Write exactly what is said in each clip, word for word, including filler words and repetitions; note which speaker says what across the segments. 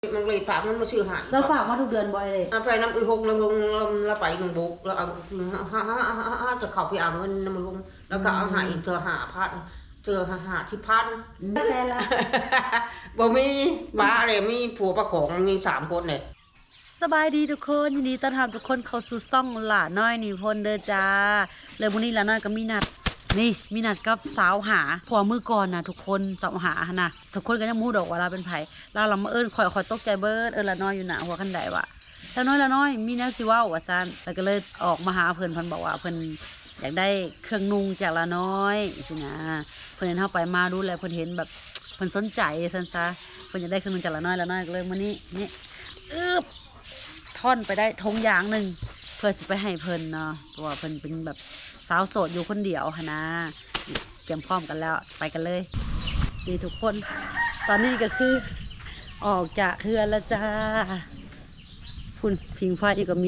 Speaker 1: มันเลยฝากมันมาชื่อหาย
Speaker 2: เราฝากมาทุกเดือนบ่อยเลย
Speaker 1: ไปน้ำอีหงเราลงเราไปหนึ่งบุกเราเอาฮ่าฮ่าฮ่าฮ่าจะเข้าไปเอาเงินน้ำอีหงแล้วก็เอาหายเจอหาพันเจอหาหาที่พัน
Speaker 2: แฟนละ
Speaker 1: บ่มีบ้าเลยมีผัวประของมีสามคนเนี่ย
Speaker 2: สบายดีทุกคนยินดีต้อนรับทุกคนเข้าสู่ซ่องหล่าน้อยนิพนธ์เด้อจ้าเลยวันนี้หล่าน้อยก็มีนัดนี่มีนัดกับสาวหาผัวมือก่อนนะทุกคนสาวหานะทุกคนก็ยังมู้ดอกว่าเราเป็นไผเราเรามาเอิ้นคอยคอยตกใจเบิดเอิ้นหล่าน้อยอยู่หน้าหัวคันใดวะหล่าน้อยหล่าน้อยมีแนวสิเว้าว่าซั่นแล้วก็เลยออกมาหาเพิ่นเพิ่นบอกว่าเพิ่นอยากได้เครื่องนุ่งจากหล่าน้อยสินะเพิ่นเห็นเฮาไปมาดูแลเพิ่นเห็นแบบเพิ่นสนใจซั่นซะเพิ่นอยากได้เครื่องนุ่งจากหล่าน้อยหล่าน้อยก็เลยมื้อนี้นี่อึ๊บท่อนไปได้ทงยางหนึ่งเพื่อสิไปให้เพิ่นเนาะเพราะว่าเพิ่นเป็นแบบสาวโสดอยู่คนเดียวค่ะนะเตรียมพร้อมกันแล้วไปกันเลยดีทุกคนตอนนี้ก็คือออกจากเรือนแล้วจ้าคุณพิงไฟอีกก็มี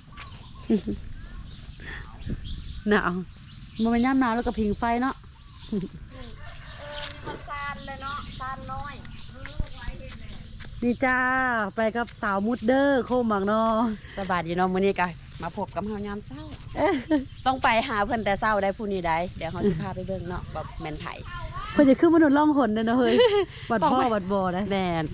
Speaker 2: หนาวมันเป็นย่ำหนาวแล้วก็พิงไฟเนาะ
Speaker 3: มันซานเลยเนาะซานน้อย
Speaker 2: นี่จ้าไปกับสาวมุดเดอร์โคมักเนาะ
Speaker 3: สบายดีเนาะมื้อนี้ก็มาพบกับเฮายามเช้าต้องไปหาเพิ่นแต่เช้าได้ผู้นี้ได้เดี๋ยวเฮาสิพาไปเบิ่งเนาะแบบแม่นไผ
Speaker 2: เพิ่นจะขึ้นมนุษย์ล่องหนเด้อเนาะเฮ้ยวัดพ่อวัดบ่อนะ
Speaker 3: แม่น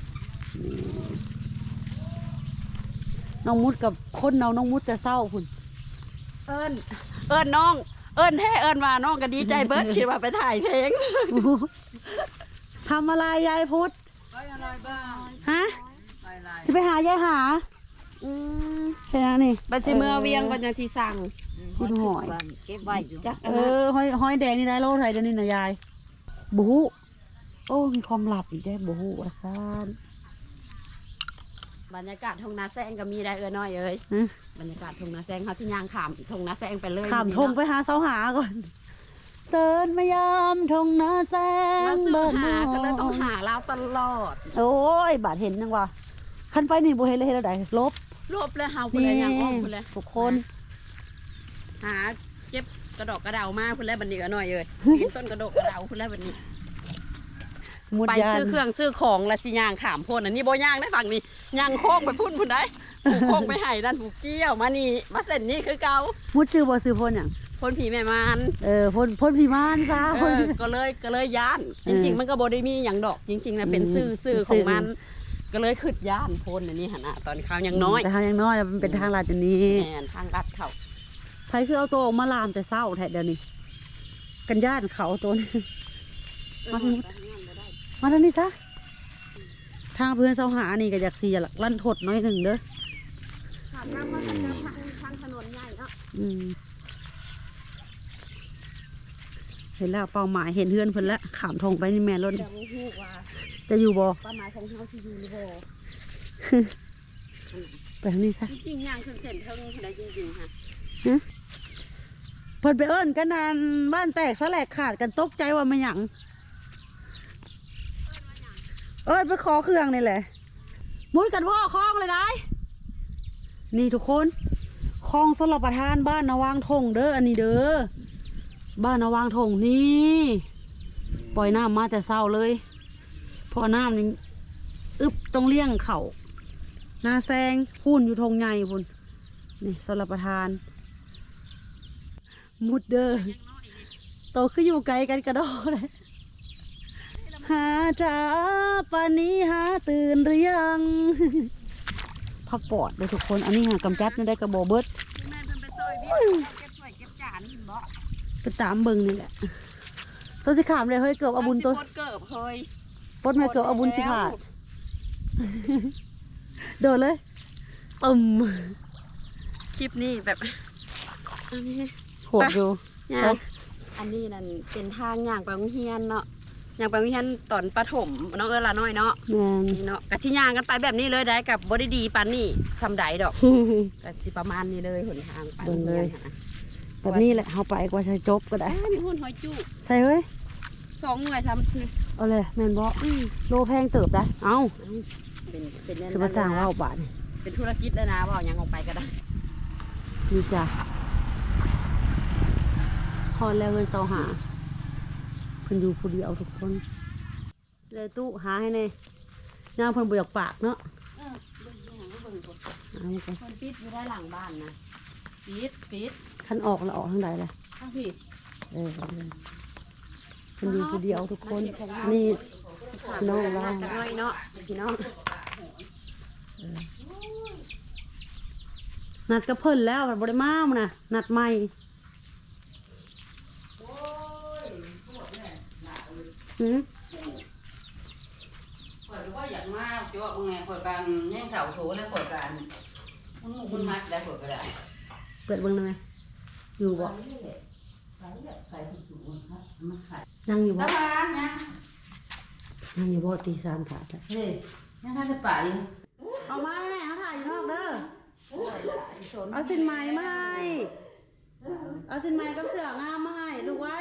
Speaker 2: น้องมุดกับคนเนาน้องมุดจะเศร้าพุ่น
Speaker 3: เอิ้นเอิ้นน้องเอิ้นแท้เอิ้นว่าน้องก็ดีใจเบิดคิดว่าไปถ่ายเพลง
Speaker 2: ทำอะไรยายพุทธ
Speaker 1: ไปอะไรบ้าง
Speaker 2: ฮะสิไปหายายหา
Speaker 3: อืม
Speaker 2: แค่นั้นนี่
Speaker 3: บัดสิเมื่อเวียงก่อนจังสิสั่ง
Speaker 2: กินหอย
Speaker 3: เก็บไว้อยู่จัก
Speaker 2: เออหอยหอยแดงนี่ได้โลไทยเดี๋ยวนี้นะยายบูฮูโอ้มีความลับอีกได้บูฮูว่าซ่าน
Speaker 3: บรรยากาศทงนาแซงก็มีได้เออน้อยเอ้ยบรรยากาศทงนาแซงเขาสิย่างขามทงนาแซงไปเลย
Speaker 2: ขามทงไปหาเสาหาก่อนเสิร์นมายามทงนาแซง
Speaker 3: เบิร์หาก็เลยต้องหาเราตลอด
Speaker 2: โอ้ยบาดเห็นยังวะคันไปนี่บุเห็นเลยเห็นแล้วได้ลบ
Speaker 3: ลบเลยเฮาคนเลยย่างอ้อมคนเลย
Speaker 2: ทุกคน
Speaker 3: หาเก็บกระดอกกระเดามาคนแรกบันนี้ก็หน่อยเลยกินต้นกระดอกกระเดาคนแรกบันนี้ไปซื้อเครื่องซื้อของและสิย่างขามพ่นอันนี้โบย่างได้ฝั่งนี้ย่างโค้งไปพุ่นพุ่นได้ผูกโค้งไปไห่ด้านผูกเกี้ยวมานี่มาเส้นนี้คือเก่า
Speaker 2: มุดซื้อบ่ซื้อพ่นอย่าง
Speaker 3: พ่นผีแม่มาน
Speaker 2: เออพ่นพ่นผีมานจ้า
Speaker 3: ก็เลยก็เลยย่านจริงๆมันก็โบได้มีอย่างดอกจริงๆนะเป็นซื้อซื้อของมันก็เลยขึ้นย่านพ่นอันนี้ฮะนะตอนข้าวยังน้อย
Speaker 2: แต่ข้าวยังน้อยมันเป็นทางลาดอย่างนี้
Speaker 3: แอนทางลัดเขา
Speaker 2: ใครคือเอาตัวออกมาลามแต่เศร้าแท้เดี๋ยวนี้กันย่านเขาตัวนี้มาทางมาทางนี้ซะทางเพื่อนเสาหานี่ก็อยากเสียหลักลั่นทดน้อยหนึ่งเด้อ
Speaker 3: ทางน้ำมันทางทางถนนใหญ่เนาะ
Speaker 2: เห็นแล้วเป้าหมายเห็นเพื่อนเพิ่นแล้วขามทงไปนี่แม่ล้นจะอยู่บ่
Speaker 3: เป้าหมายของเขาจะอยู่หรือบ่
Speaker 2: ไปทางนี้ซะ
Speaker 3: จริงๆย่างขึ้นเส้นเทิงได้จริงๆค่ะ
Speaker 2: เพิ่นไปเอิ้นกันนานบ้านแตกสลายขาดกันตกใจว่ามันหยังเอิ้นไปขอเครื่องนี่แหละมุดกันพ่อคลองเลยได้นี่ทุกคนคลองสลับประทานบ้านนาวางทงเด้ออันนี้เด้อบ้านนาวางทงนี่ปล่อยน้ำมาแต่เศร้าเลยพอน้ำนี่อึบต้องเลี้ยงเขานาแซงพุ่นอยู่ทงใหญ่พุ่นนี่สลับประทานมุดเด้อโตขึ้นอยู่ไกลกันกระโดดเลยหาจ้าปานี้หาตื่นหรือยังพักปอดเลยทุกคนอันนี้หากำจัดไม่ได้กระโบเบิดไปตามเบิงนี่แหละตัวสิขามเลยเฮ้ยเกือบอาบุญตัว
Speaker 3: เกือบเฮ้ย
Speaker 2: ปดมาเกือบอาบุญสิขาดโดดเลยตึม
Speaker 3: คลิปนี้แบบ
Speaker 2: อันนี้โหดอยู่
Speaker 3: อันนี้นั่นเป็นทางย่างไปโรงเรียนเนาะย่างไปโรงเรียนตอนประถมน้องเอิญละน้อยเนาะนี่เนาะกะชิย่างกันไปแบบนี้เลยได้กับบริดีปานนี่ทำได้ดอกกะชิประมาณนี้เลยหนทางไปเลย
Speaker 2: แบบนี้แหละเอาไปกว่าจะจบก็ได้
Speaker 3: มีหุ่นหอยจุ
Speaker 2: ใช่เฮ้ย
Speaker 3: สองหน่วยทำคือ
Speaker 2: เอาเลยแมนบอโลแพงเติบได้เอา
Speaker 3: เป็นเป็น
Speaker 2: จะมาสร้างว่าบาท
Speaker 3: เป็นธุรกิจเลยนะว่าอย่างออกไปก็ได้
Speaker 2: นี่จ้ะพอแล้วเงินเสาหาเพิ่นอยู่ผู้เดียวทุกคนเลยตู้หาให้แน่ย่างเพิ่นบ่อยากปากเนาะ
Speaker 3: เออเบิ่งอย่างเบิ่งก่อน
Speaker 2: เอาไป
Speaker 3: คนปิดอยู่ได้หลังบ้านนะปิดปิด
Speaker 2: คันออกแล้วออกทางใดล่ะ
Speaker 3: ทั้งพี่
Speaker 2: เออเพิ่นอยู่ผู้เดียวทุกคนนี่น้องเรา
Speaker 3: จักหน่อยเนาะพี่น้อง
Speaker 2: นัดกับเพิ่นแล้วบ่ได้มามื้อน่ะนัดใหม่ หืม
Speaker 1: ข่อยก็บ่อยากมาจ้วงไงข่อยกันแย่งเข่าโถแล้วข่อยกันมันหมู่มันมัดได้ข่อยก็ได้
Speaker 2: เปิดเบิ่งได้ไหมอยู่บ่
Speaker 1: ใส่ถุงถุงครับมันขาย
Speaker 2: ยังอยู่บ่
Speaker 1: ตาบ้านนะ
Speaker 2: ยังอยู่บ่ตีสามขาดแล้ว
Speaker 1: เฮ้ยยังท่านจะไป
Speaker 2: เอามาแม่เขาถ่ายอยู่นอกเด้อเอาสินไหมมาให้เอาสินไหมกับเสื้องามมาให้ลูกไว้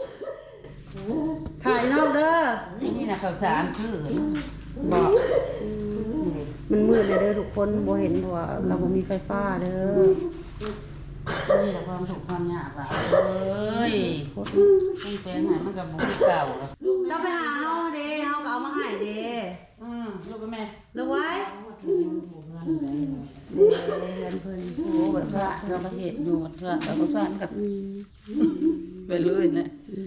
Speaker 2: ถ่ายนอกเด้อ
Speaker 1: นี่นะข้าวสารซื้อ
Speaker 2: บอก มันมืดเลยเด้อทุกคนบ่เห็นเพราะว่าเราบ่มีไฟฟ้าเด้อ
Speaker 1: นี่แหละความถูกความยากอ่ะเอ้ยต้องแปลงให้มันกับบุกเก่าแล้ว
Speaker 2: เจ้าไปหาเฮาเด้เฮาก็เอามาให้เด้
Speaker 1: อืมลูกกับแม่
Speaker 2: ลูกไว้
Speaker 1: ถูกเงินเลย
Speaker 2: เรียนเพิ่น
Speaker 1: โอ้แบบว่าเราประเทศอยู่เพื่อเราก็สานกับ
Speaker 2: อืม
Speaker 1: ไปเลยนะ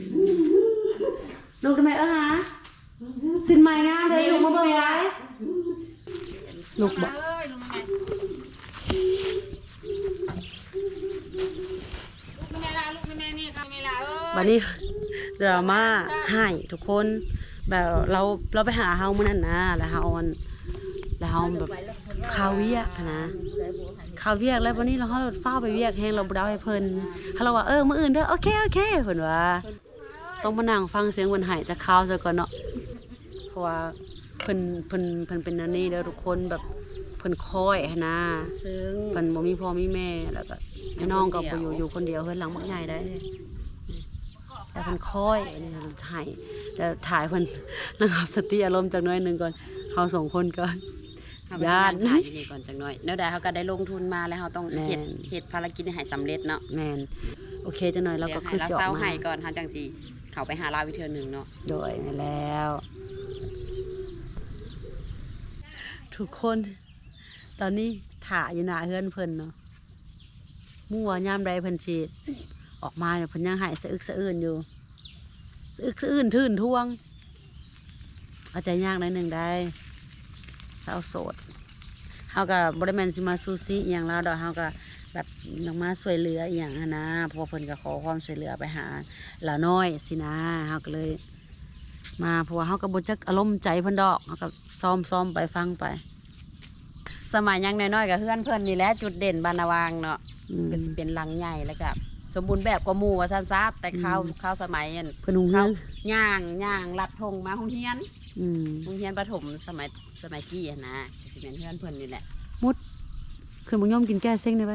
Speaker 2: ลูกทำไมเอ้อหาสินไหมงามเด้ลูกมาเบิ่งไว้ลูกบ่
Speaker 3: เอ้ยลงมาไงลูกไม่แม่ละลูกไม่แม่นี่ค่ะไม่ละเอ้ย
Speaker 2: บัดนี้ดราม่าให้ทุกคนแบบเราเราไปหาเฮามื้อนั้นนะแล้วเฮาอันแล้วเฮาแบบข้าวเวียกอะนะข้าวเวียกแล้ววันนี้เราเฮาฟ้าวไปเวียกแฮงเราบ่ได้ให้เพิ่นเฮาเราว่าเออมื้ออื่นเด้อโอเคโอเคเพิ่นว่าต้องมานั่งฟังเสียงเพิ่นให้จากข้าวซะก่อนเนาะเพราะว่าเพิ่นเพิ่นเพิ่นเป็นอันนี้เด้อทุกคนแบบเพิ่นคอยหั้นนะ
Speaker 3: ซึ่ง
Speaker 2: เพิ่นบ่มีพ่อมีแม่แล้วก็ไอ้น้องก็บ่อยู่อยู่คนเดียวเฮือนหลังบักใหญ่ได้แล้วเพิ่นคอยนี่ถ่ายแล้วถ่ายเพิ่นระงับสติอารมณ์จักหน่อยหนึงก่อนเฮาสองคนก่อน
Speaker 3: เขาก็สินั่งถ่ายอยู่นี่ก่อนจังหน่อยแล้วได้เขาก็ได้ลงทุนมาแล้วเขาต้องเฮ็ด
Speaker 2: แม่น
Speaker 3: เฮ็ดภารกิจให้สำเร็จเนาะ
Speaker 2: แม่นโอเคจังหน่อยเราก็คือ
Speaker 3: เดี๋ยว
Speaker 2: สิ
Speaker 3: ให้
Speaker 2: อ
Speaker 3: เรา
Speaker 2: อก
Speaker 3: เศร้า
Speaker 2: มา
Speaker 3: ให้ก่อนหาจังสิเขาไปหาเราวิเทือหนึ่งเนาะ
Speaker 2: โดยนั่นแล้ว ทุกคนตอนนี้ถ่าอยู่หน้าเฮือนเพิ่นเนาะมั่วยามใดเพิ่นสิออกมาเนี่ยเพิ่นยังหายสะอึกสะอื้นอยู่สะอึกสะอื้นทื่นท่วงเอาใจยากหน่อยหนึงได้สาวโสดเฮาก็บ่ได้แม่นสิมาซูซิอหย่างแล้วดอกเฮาก็แบบลงมาช่วยเหลืออหย่างหั้นนะเพราะว่าเพิ่นก็ขอความช่วยเหลือไปหาหลาน้อยสินะเฮาก็เลย มาเพราะว่าเฮาก็บ่จักอารมณ์ใจเพิ่นดอกเฮาก็ซ้อมๆไปฟังไป
Speaker 3: สมัยยังน้อยๆกับเพื่อนเพื่อนนี่แหละจุดเด่นบานนาวางเนาะ
Speaker 2: อืม
Speaker 3: ก็สิเป็นหลังใหญ่แล้วก็สมบูรณ์แบบกว่าหมู่ว่าซั่นซะแต่ข้าว
Speaker 2: อืม
Speaker 3: ข้าวสมัยอัน
Speaker 2: เพิ่นหุงเฮื
Speaker 3: ข้า
Speaker 2: อ
Speaker 3: วน ย่างย่างลัดธงมาโรงเรียน
Speaker 2: อืม
Speaker 3: โรงเรียนประถมสมัยสมัยกี้อะนะก็สิเป็นเพื่อนเพื่อนนี่แหละ
Speaker 2: มุดขึ้นบ่ยอมกินแก้เซ็งได้ไป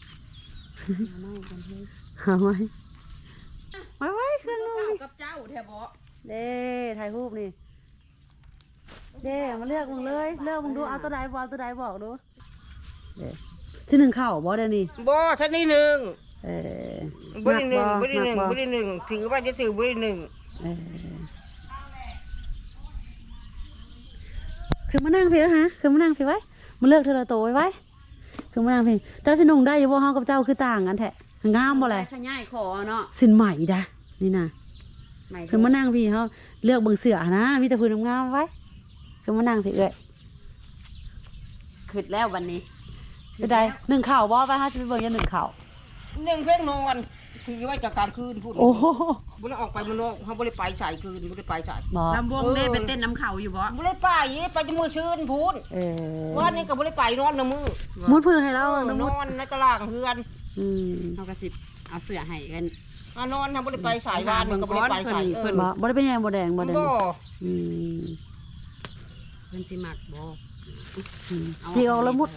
Speaker 2: หาไว้ไว้ไว้เครื่องนึง
Speaker 3: กับเจ้าแท้บ่
Speaker 2: เด้ถ่ายรูปนี่เด้มาเลือกมึงเลยเลือกมึงดูเอาตัวใดบ่เอาตัวใดบอกดูเด้สิหนึ่งข้าวบ่เด้อนี่
Speaker 1: บ่ชั้นที่หนึ่ง
Speaker 2: เออ
Speaker 1: บ่ได้หนึ่ง
Speaker 2: มัก
Speaker 1: บ่ได้หนึ่ง
Speaker 2: มัก
Speaker 1: บ่ได้หนึ่งถือว่าจะถือบ่ได้หนึ่ง
Speaker 2: เออคือมานั่งพี่ฮะคือมานั่งพี่ไว้มาเลือกเธอละโตไว้ไว้คือมานั่งพี่เจ้าสินุ่งได้อยู่บ่เฮากับเจ้าคือต่างกันแท้งามบ่แหละ
Speaker 3: ขยายขอเนาะ
Speaker 2: สินใหม่ดะนี่นะ
Speaker 3: ไม่
Speaker 2: คือมานั่งพี่เขาเลือกเบิ่งเสือนะมีแต่พื้นงามๆไว้คือมานั่งพี่เอ้ย
Speaker 3: ขึ้นแล้ววันนี้
Speaker 2: ไปได้หนึ่งข่าวบ่ไปฮะจะไปเบิ่งอยันหนึ่งข่าว
Speaker 1: หนึ่งเพ่งนอนถือว่าจะกลางคืนพูด
Speaker 2: โอ้โห
Speaker 1: บ่ได้ออกไปมันนอกเฮาบ่ได้ไปสายคืนบ่ได้ไปสาย
Speaker 2: บ่
Speaker 3: ลำวงได้ไปเต้นน้ำเขาอยู่บ่
Speaker 1: บ่ได้ไปไปจะมือชื่นพูด
Speaker 2: เออ
Speaker 1: วันนี้ก็บ่ได้ไปนอนนะมือ
Speaker 2: มุดพื้นให้เรา
Speaker 1: เออ
Speaker 2: น้อง
Speaker 1: น
Speaker 2: มุด
Speaker 1: อนในตารางเฮือน
Speaker 2: อืม
Speaker 3: เขาก็สิเอาเสื้อให้กัน
Speaker 1: อ่ะนอนทำบ่ได้ไปสายวานก็บ่ได้ไปสายเอ
Speaker 3: เพิ่
Speaker 1: อน
Speaker 2: บ่บ่ได้เป็นหยังบ่แดงบ่แดง
Speaker 1: บ่
Speaker 2: อืม
Speaker 3: เพิ่นสิมักบ่
Speaker 2: อืมจีออกแล้วมุด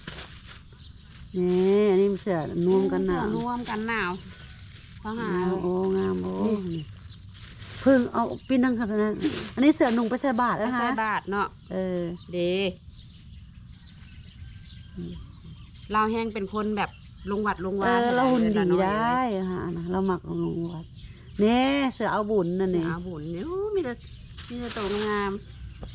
Speaker 2: นี่อันนี้มันเสือนุ่มกันหนาว
Speaker 3: เสื้อร่วมกันหนาวเขาหา
Speaker 2: โอ้งามโอ้นี่เพิ่งเอาปิ้นนั่งขนาดนั้นอันนี้เสือหนุ่งไปใส่บาทแล้ว
Speaker 3: ใส่
Speaker 2: ฮะ
Speaker 3: บาทเนาะ
Speaker 2: เออ
Speaker 3: เดเราแห้งเป็นคนแบบลงวัดลง
Speaker 2: เอ
Speaker 3: วา
Speaker 2: อเราหุ่นดี
Speaker 3: เวลาอย
Speaker 2: ได้ฮะนะเราหมักลงวัดเน่เสือเอาบุญนั่น
Speaker 3: เสือ
Speaker 2: นี่
Speaker 3: อาบุญเนี่ยโอ้มีแต่มีแต่ตัวงาม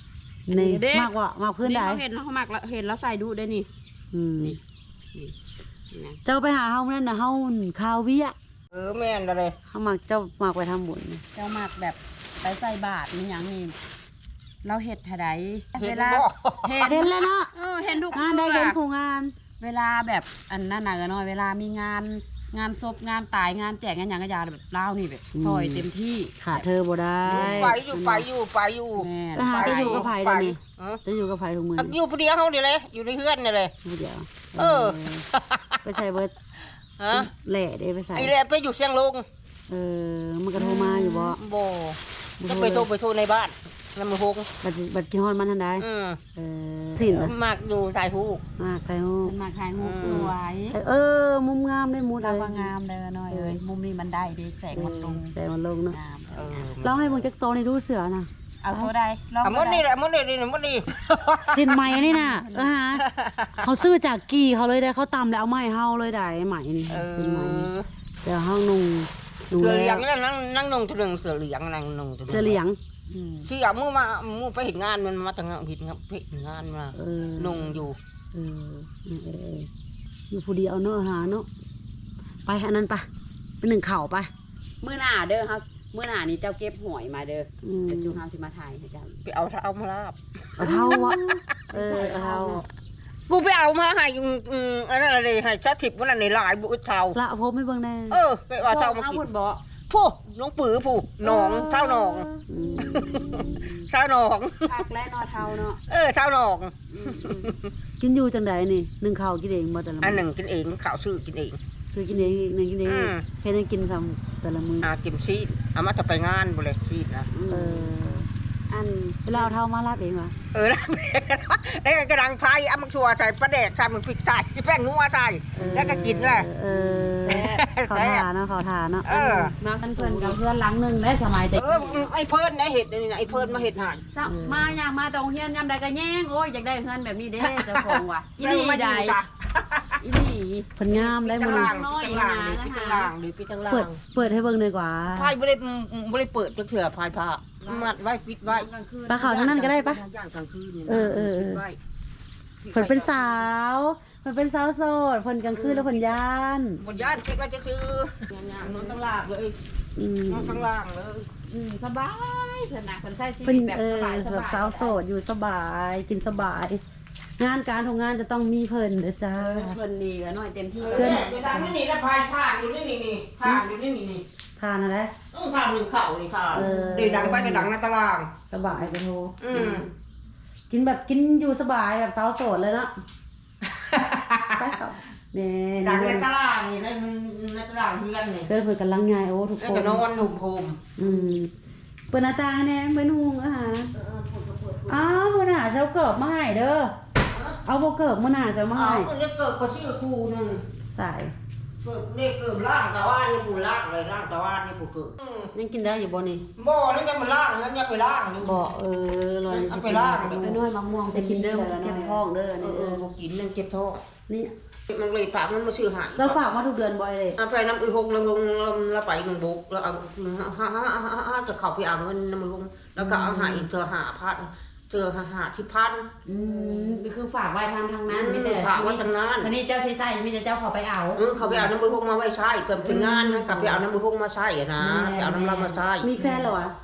Speaker 2: นี่
Speaker 3: เด้
Speaker 2: มากกว่ามากพื้น
Speaker 3: นี่
Speaker 2: ใด
Speaker 3: เขาเห็นแล้วเขามักแล้วเห็นแล้วใส่ดูได้นี่
Speaker 2: อืม
Speaker 3: นี่นี่นะ
Speaker 2: เจ้าไปหาเฮานั่นน่ะเฮาคาวเวีย
Speaker 1: เออแม่นอะไร
Speaker 2: เฮามักเจ้ามักไปทำบุญนี่
Speaker 3: เจ้ามักแบบไปใส่บาตรมันหยังนี่เราเห็ดเท่าใด
Speaker 1: เห็
Speaker 3: เวน ลา
Speaker 1: บ่
Speaker 3: เห็น
Speaker 2: เห็นแล้วเนาะ
Speaker 3: เออเห็นทุก
Speaker 2: งานได้
Speaker 3: เทื่
Speaker 2: เห็น
Speaker 3: อ
Speaker 2: ผู้งาน
Speaker 3: เวลาแบบอันนั้นน่ะก็น้อยเวลามีงานงานศพงานตายงานแจกงานหยังก็อยาแบบเล่าวนี่แบบซอยเต็มที่
Speaker 2: ขาดเธอบ่ได้
Speaker 1: ไปอยู่ไปอยู่ไปอยู่
Speaker 3: แม่น
Speaker 2: ไปหาจะอยู่กับไผเดี๋ยวนี้
Speaker 1: เออ
Speaker 2: จะอยู่กับไผทุกมื้อ
Speaker 1: อยู่ผู้เดียวเฮานี่เลยอยู่ในเฮือนนี่เลย
Speaker 2: ผู้เดียว
Speaker 1: เออ
Speaker 2: ไปใส่เบิด
Speaker 1: ฮะ
Speaker 2: แหล่ได้ไปใส่
Speaker 1: ไอ้แหละไปอยู่เชียงลุง
Speaker 2: เออมันก็โทรมาอยู่บ่
Speaker 1: บ่ก็ไปโทรไปโทรในบ้านแล้วมาฮง
Speaker 2: บัดสิบัดกินฮอดมันทันใด
Speaker 1: อืม
Speaker 2: เออสินน่ะ
Speaker 1: มากอยู่ถ่ายรูป
Speaker 2: มากไปฮู้
Speaker 3: มันมาถ่ายรูปสวย
Speaker 2: เออมุมงามได้หมู
Speaker 3: เรา
Speaker 2: ได้
Speaker 3: ว่างามเด้อน้อยเอ้ยมุมนี้มันได้ดีแสงมันลง
Speaker 2: แสงมันลงเนาะ
Speaker 3: งาม
Speaker 1: เออ
Speaker 2: เราให้เบิ่งจักโตในดูเสือน่ะ
Speaker 3: เอาตัวใดลอง
Speaker 1: อ่ะหม
Speaker 3: ตัว
Speaker 1: ด
Speaker 3: ใด
Speaker 1: นี่แหละหมดนี่นี่หมดนี่
Speaker 2: สินใหม่นี่น่ะเออฮะเขาซื้อจากกี่เขาเลยได้เขาตำแล้วเอาไม้เฮาเลยได้ใหม่นี่
Speaker 1: เอ
Speaker 2: สินใหม่นี่
Speaker 1: อ
Speaker 2: เดี๋ยวเฮานุ่งนุ่ง
Speaker 1: เสือเหลีย
Speaker 2: แล้
Speaker 1: ง
Speaker 2: ว
Speaker 1: นั่งนั่งนงตัวหนึ่งเสือเหลียงนั่งนงตัวหนึ่ง
Speaker 2: เสื้อเหลียง
Speaker 3: อืม
Speaker 1: เสือมู่มามู่ไปเห็นงานมันมาตั้งผิดครับเห็นงานมา
Speaker 2: เออน
Speaker 1: งอยู่
Speaker 2: เออเออเออเอออยู่ผู้เดียวเนาะหาเนาะไปอันนั้นไปเป็นหนึ่งเข่าไป
Speaker 3: มื้อหน้าเด้อเฮามื้อหน้านี่เจ้าเก็บหอยมาเด้อ
Speaker 2: อืม
Speaker 3: เดี๋ยวจูเฮาสิมาถ่ายให้เจ้า
Speaker 1: ไปเอาเอามาลาบ
Speaker 2: เอาเท่าวะเออ
Speaker 3: ใส่
Speaker 2: เอา
Speaker 3: เท่า
Speaker 2: เท่า
Speaker 1: กูไปเอามาให้ยุงอืมอันนั้นอะไรให้ชาติบวันนั้นในหลายบุญเท่า
Speaker 2: ละพบไม่เบิ่งแน่
Speaker 1: เออไปว่าเท่ามา
Speaker 3: เอา
Speaker 1: กิ
Speaker 3: พุ่
Speaker 1: น
Speaker 3: นบ่
Speaker 1: ผู้น้องปือผู้หนองเท่าหนอง
Speaker 2: อืม
Speaker 1: เท่าหนอง
Speaker 3: คักและนอเท่าเนาะ
Speaker 1: เออเท่าหนอง
Speaker 3: อืมอืม
Speaker 2: กินอยู่จังใดนี่หนึ่งเข่าวกินเองบ่แต่ละ
Speaker 1: อันห
Speaker 2: มื้อ
Speaker 1: นึ่งกินเองข่าวซื้อกินเอง
Speaker 2: ช่วยกินเองอีกหนึ่งกินเอง
Speaker 1: อืม
Speaker 2: เฮ็ดให้กินซ้ำแต่ละมื้อ
Speaker 1: อากินซีดเอามาจะไปงานบุเลยซีดนะ
Speaker 2: เออ
Speaker 3: อัน
Speaker 2: เวลาเอาเท่ามาลาบเองวะ
Speaker 1: เออแล้วแล้วกระดังไฟเอามักชัวใส่ปลาแดกใส่มึงพริกใส่แป้งนัวใส่แล้วก็กินเลย
Speaker 2: เออเขา
Speaker 1: แซ่บ
Speaker 2: ทาเนาะเขาทาเนาะ
Speaker 1: เออ
Speaker 3: มากันเพิ่นกับเพื่อนหลังหนึงได้สมัยแต่
Speaker 1: เออไอ้เพิ่นนะเห็ดนี่นะไอ้เพิ่นมาเห็ดหาน
Speaker 3: ซะมาย่างมาตรงเฮียนยามใดก็แย่งโอ้ยอยากได้เฮือนแบบนี้เด้เจ้าของว่ะอีหลี
Speaker 1: มา
Speaker 3: ได้
Speaker 1: จ้ะ
Speaker 3: อีหลี
Speaker 2: เพิ่นงามได้
Speaker 1: ปิด
Speaker 2: มื้อ
Speaker 1: ตา
Speaker 2: นี้
Speaker 1: รางปิดตารางหรือปิดตารางหรือปิดตารา
Speaker 2: เปิด
Speaker 1: ง
Speaker 2: เปิดให้เบิ่งดีกว่า
Speaker 1: พายบ่ได้บ่ได้เปิดจักเถื่อพายผ้ามัดไว้ปิดไว้
Speaker 2: ปลาขาวทั้งนั้นก็ได้ปะ
Speaker 1: ย่างกลางคืนนี่นะ
Speaker 2: เออเออเออ
Speaker 1: ปิดไว้
Speaker 2: เพิ่นเป็นสาวเพิ่นเป็นสาวโสดเพิ่นกลางคืนแล้วเพิ่นย่าน
Speaker 1: บนย่านคิดว่าจะซื้อย่างๆนอนตั้งลากเลย
Speaker 2: อืม
Speaker 1: นอนข้างล่างเลย
Speaker 3: อืมสบายเพิ่นน่ะเพิ่นใช้ชี
Speaker 2: เพิ่
Speaker 3: วิ
Speaker 2: น
Speaker 3: ตแบบ
Speaker 2: เอ
Speaker 3: ส
Speaker 2: อบ
Speaker 3: ายส
Speaker 2: แบบ
Speaker 3: บาย
Speaker 2: สาวโสดอยู่สบายกินสบาย งานการทำงานจะต้องมีเพิ่นเด้อจ้า
Speaker 3: เพิ่นนี่ก็น้อยเต็มที่
Speaker 1: เพื่อนเวลาไม่หนีแล้วพายท่านอยู่นี่นี่นี่ท่านอยู่นี่นี่นี่
Speaker 2: ทานอะไร
Speaker 1: ต้องท่านหนึ่งเข่านี่ค่ะ
Speaker 2: เออ
Speaker 1: เดี๋ยวดังไปก็ดังในตาราง
Speaker 2: สบายไปโท
Speaker 1: อืม
Speaker 2: กินแบบกินอยู่สบายแบบสาวโสดเลยเนาะไปครับนี่
Speaker 1: ดังใน
Speaker 2: นี่
Speaker 1: ตารางนี่ในในตารางเพื่อนนี่
Speaker 2: เดินเพิ่นกํลังงายโอ้ทุก
Speaker 1: แล้ว
Speaker 2: คน
Speaker 1: ก็นอนหุ่มโฮม
Speaker 2: อืมเปิดหน้าต่างแหน่เหมือนหุงอาหารอ้าวมื้อหน้าเช้าเกิบมาให้เด้อเอาบ่เกิบมื้อหน้าเช้ามา
Speaker 1: เอา
Speaker 2: ให้
Speaker 1: คนจะเกิดก็ชื่อครูหนึ่ง
Speaker 2: สาย
Speaker 1: เกิดเด็กเกิดล่างตะวันนี่ผู้ล่างเลยล่างตะวันนี่ผู้เกิด
Speaker 2: ยังกินได้อยู่บ่นี่
Speaker 1: บ่นั่นจะมาล่างนั่นจะไปล่างนี่
Speaker 2: บ่เออลอย
Speaker 1: เอาไปล่าง
Speaker 2: สิ
Speaker 3: ไอ้น้อยมะม่วง
Speaker 2: ไปกินเด้อมันสิเจ็บท้องเด้อ
Speaker 1: เอ
Speaker 2: นี่
Speaker 1: อเออบ่กินนั่นเก็บท้อง
Speaker 2: นี่
Speaker 1: มันเลยฝากมันมาซื้อหาย
Speaker 2: เราฝากมาทุกเดือนบ่อยเลย
Speaker 1: เอาไปน้ำอีหกแล้วลงแล้วไปหนึ่งบุกแล้วเอาห้าห้าห้าห้าจะเข้าไปเอาเงินน้ำมันลงแล้วก็เอาหาอีกเจอหาพันเจอหาหาที่พัน
Speaker 3: อืมนี่คือฝากไว้ทางทางนั้นมีแต่
Speaker 1: ฝากไว้ทางนั้น
Speaker 3: ทีนี้เจ้าใช้ใส่มีแต่เจ้าขอไปเอา
Speaker 1: เออเขาไปเอาน้ำมันลงมาไว้ใช้เพิ่มเป็นงานกลับไปเอาน้ำมันลงมาใช้อะนะไปเอาน้ำเรามาใช้
Speaker 2: มีแฟนเหรอวะ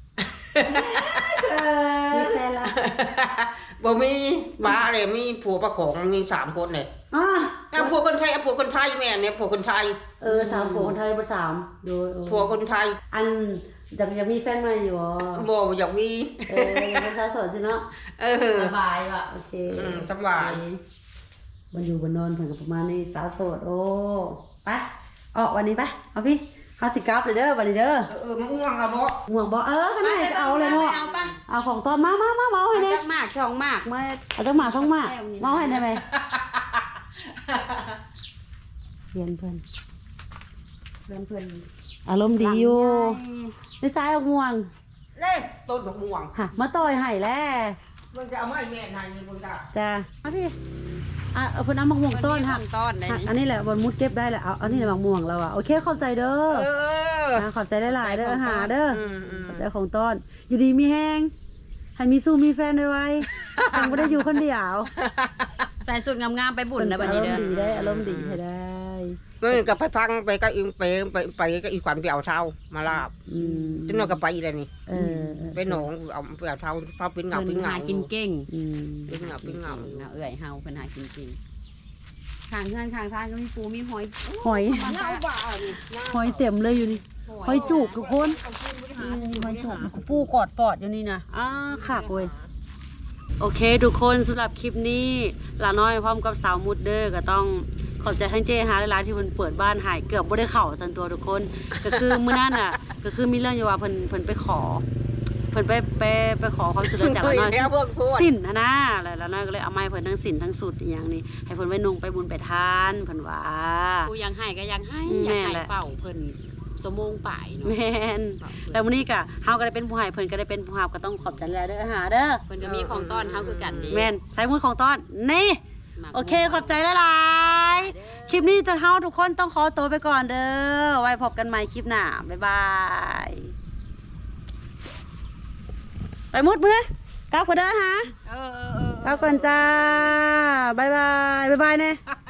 Speaker 2: มีแฟนละ
Speaker 1: บ่มีบ้าเลยมีผัวประของมีสามคนเนี่ย
Speaker 2: อ่ะ
Speaker 1: อ่ะผัวคนไทยอ่ะผัวคนไทยแม่เนี่ยผัวคนไทย
Speaker 2: เออสามผัวคนไทยบ่สามโดยเออ
Speaker 1: ผัวคนไทย
Speaker 2: อันอยากอยากมีแฟนใหม่อยู่อ๋อ
Speaker 1: บ่อยากมี
Speaker 2: เอออยากเป็นสาวโสดสิเนาะ
Speaker 1: เออ
Speaker 3: สบายว่ะ
Speaker 2: โอเค
Speaker 1: อืมสบาย
Speaker 2: มันอยู่บนนอนเพิ่นก็ประมาณนี้สาวโสดโอ้ไปออกวันนี้ไปเอาพี่เฮาสิกลับเลยเด้อวันนี้เด้อ
Speaker 1: เออเออมันง่วงอะบ่
Speaker 2: ห่วงบ่เออขนาดก็เอาเลยเนาะ
Speaker 3: เอาป่ะ
Speaker 2: เอาของตอนมามามาเมาให้
Speaker 3: เอา
Speaker 2: แน่
Speaker 3: จักมากช่องมากเมื่อ
Speaker 2: เอาจังหมาสองหมาเมาให้ได้ไหมเรียนเพิ่น
Speaker 3: เพื่อนเพื่อน
Speaker 2: อารมณ์ดีอยู่นิสัยเอาห่วง
Speaker 1: เล่ต้นดอกม่วง
Speaker 2: ฮะมาต่อยให้แล้ว
Speaker 1: มันจะเอามาให้แม่นายนี่เพิ่นก็
Speaker 2: จ้ามาพี่อ่ะเอาเพิ่นเอามะม่วงต้นฮะ
Speaker 3: ต้นไหน
Speaker 2: ฮะอันนี้แหละบนมุดเก็บได้แหละเอาอันนี้แหละมะม่วงแล้วอ่ะโอเคขอบใจเด้อ
Speaker 1: เออ
Speaker 2: อ่ะขอบใจหลายๆเด้ออาหารเด้อ
Speaker 1: อืมอืม
Speaker 2: ขอบใจของต้นอยู่ดีมีแห้งให้มีสู้มีแฟนด้วยไว้ยังไม่ได้อยู่คนเดียว
Speaker 3: ใส่สุดงามๆไปบุญนะบัดนี้เด้อ
Speaker 2: อารมณ์ดีได้อารมณ์ดีให้ได้
Speaker 1: เมื่อกับไปฟังไปก็อีไปไปไปก็อีขวัญไปเอาเท้ามาลาบ
Speaker 2: อืม
Speaker 1: จนเราก็ไปเลยนี่
Speaker 2: เออ
Speaker 1: ไปหนองเอาไปเอาเท้าเท้าเป็นเงา
Speaker 3: เพิ่
Speaker 1: เป็น
Speaker 3: น
Speaker 1: เงา
Speaker 3: หากินเก่ง
Speaker 2: อืม
Speaker 1: เป็นเงาเป็นเงา
Speaker 3: เนาะเอื้อยเฮาเพิ่นหากินเก่งข้างเฮือนข้างทางก็มีปูมีหอย
Speaker 2: หอย
Speaker 1: เงาบ้านี่
Speaker 2: หอยเต็มเลยอยู่นี่หอยจูบทุกคนอืมหอยจูบปูกอดปอดอยู่นี่นะอ้าขากเว้ยโอเคทุกคนสำหรับคลิปนี้หลาน้อยพร้อมกับสาวมุดเดอร์ก็ต้องขอบใจทั้งเจฮาและร้านที่เพิ่นเปิดบ้านใหายเกือบบ่ได้เข้าสันตัวทุกคน ก็คือมื้อนั้นน่ะ ก็คือมีเรื่องอยู่ว่าเพิ่นเพิ่นไปขอเพิ่นไปไปไปขอความช่วยเหลือจากหลาน้อย
Speaker 1: แล้วพวกพวก
Speaker 2: สินนะนะแล้วหลาน้อยก็เลยเอาไม้เพิ่นทั้งสินทั้งสุดอหย่างนี้ให้เพิ่นไว้นุ่งไปบุญไปทานเพิ่นว่า
Speaker 3: ปูยังให้ก็ยังให้
Speaker 2: อืม
Speaker 3: อยากให้
Speaker 2: แม่นแหละ
Speaker 3: เฝ้าเพิ่นสมงป่ายเนาะ
Speaker 2: แม่น
Speaker 3: เฝ้าเพิ่น
Speaker 2: แล้วมื้อนี้ก็เฮาก็ได้เป็นผู้ให้เพิ่นก็ได้เป็นผู้รับก็ต้องขอบใจหลายเด้อหาเด้อ
Speaker 3: เพิ่นก็มีของต้อนเฮาคือกันเด้
Speaker 2: แม่นใช้มุดของต้อนนี่
Speaker 3: หมัก
Speaker 2: โอเคขอบใจหลายๆคลิปนี้ตอนเฮาทุกคนต้องขอตัวไปก่อนเด้อไว้พบกันใหม่คลิปหน้าบ๊ายบายไปมุดมือกลับกันเด้อฮะ
Speaker 1: เออเออเออ
Speaker 2: กลับก่อนจ้าบ๊ายบายบ๊ายบายแน่